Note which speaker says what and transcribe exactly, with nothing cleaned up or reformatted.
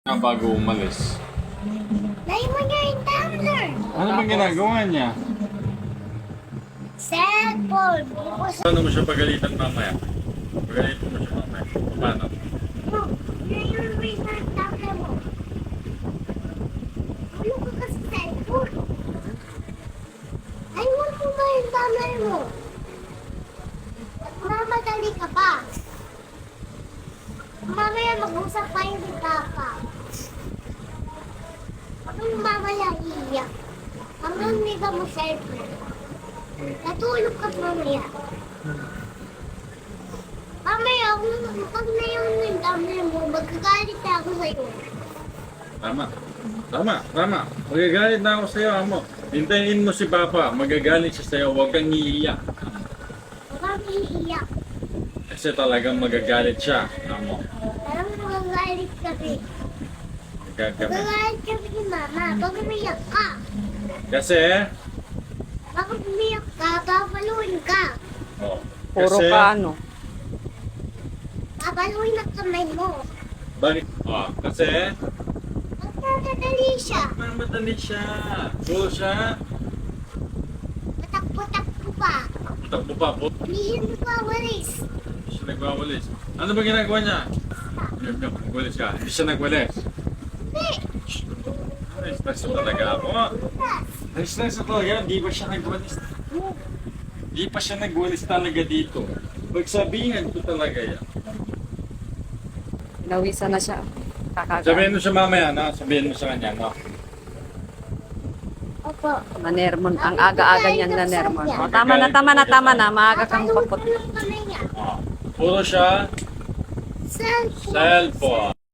Speaker 1: Na bago umalis.
Speaker 2: Dahil mo niya yung tumbler.
Speaker 1: Ano bang ginagawa niya?
Speaker 2: Cellphone. Bukos.
Speaker 1: Paano mo siya pagalitan mamaya? Pagalitan mo siya mamaya. Paano?
Speaker 2: Mo. Ngayon mo yung tumbler mo. Ano ka kasi cellphone? Ay, mo po ba yung tumbler mo? At mamadali ka pa. Mamaya mag-usap kayo ni Papa. Kung mamaya iiyak, hanggang hindi ka mo cellphone. Natulog ka mamaya. Mamaya, kung pag na yung tumbler mo, magkagalit na ako sa'yo.
Speaker 1: Tama. Tama, tama. Magagalit na ako sa'yo, amo. Hintayin mo si Papa. Magagalit siya sa'yo. Huwag kang iiyak.
Speaker 2: Huwag kang iiyak.
Speaker 1: Kasi talagang magagalit siya, amo.
Speaker 2: Parang magagalit kami.
Speaker 1: Gagawin.
Speaker 2: Magagalit kami ni Mama. Pag umiyak ka.
Speaker 1: Kasi,
Speaker 2: Pag umiyak ka, papaluin ka.
Speaker 1: oh,
Speaker 3: Puro
Speaker 1: kasi,
Speaker 3: ka ano.
Speaker 2: Papaluin ang kamay mo.
Speaker 1: Bakit? Oh, kasi,
Speaker 2: Magdadali siya.
Speaker 1: madali siya. Puro siya.
Speaker 2: Matakpo-takpo pa.
Speaker 1: Takbo pa po.
Speaker 2: Hindi mo pa walis.
Speaker 1: Hindi siya nagwawalis. Ano ba ginagawa niya? Yun, yun, nagwalis ka. Hindi siya nagwalis.
Speaker 2: Hindi.
Speaker 1: Ay, stress na talaga ako. Ay, stress na talaga. Hindi ba siya nagwalis? Hindi pa siya nagwalis talaga dito. Pagsabihan ko talaga yan.
Speaker 3: Pinawisan na siya.
Speaker 1: Sabihin
Speaker 3: Kakagaan.
Speaker 1: mo siya mamaya, no? Sabihin mo sa kanya, no?
Speaker 2: Opo.
Speaker 3: Nanermon. Ang aga-aga niyan na nermon. O, tama na, tama na, tama na. Maaga kang
Speaker 2: Papaluin
Speaker 3: papot.
Speaker 2: ko ng kamay niya.
Speaker 1: Oh. Puro siya
Speaker 2: Cellphone.
Speaker 1: cellphone.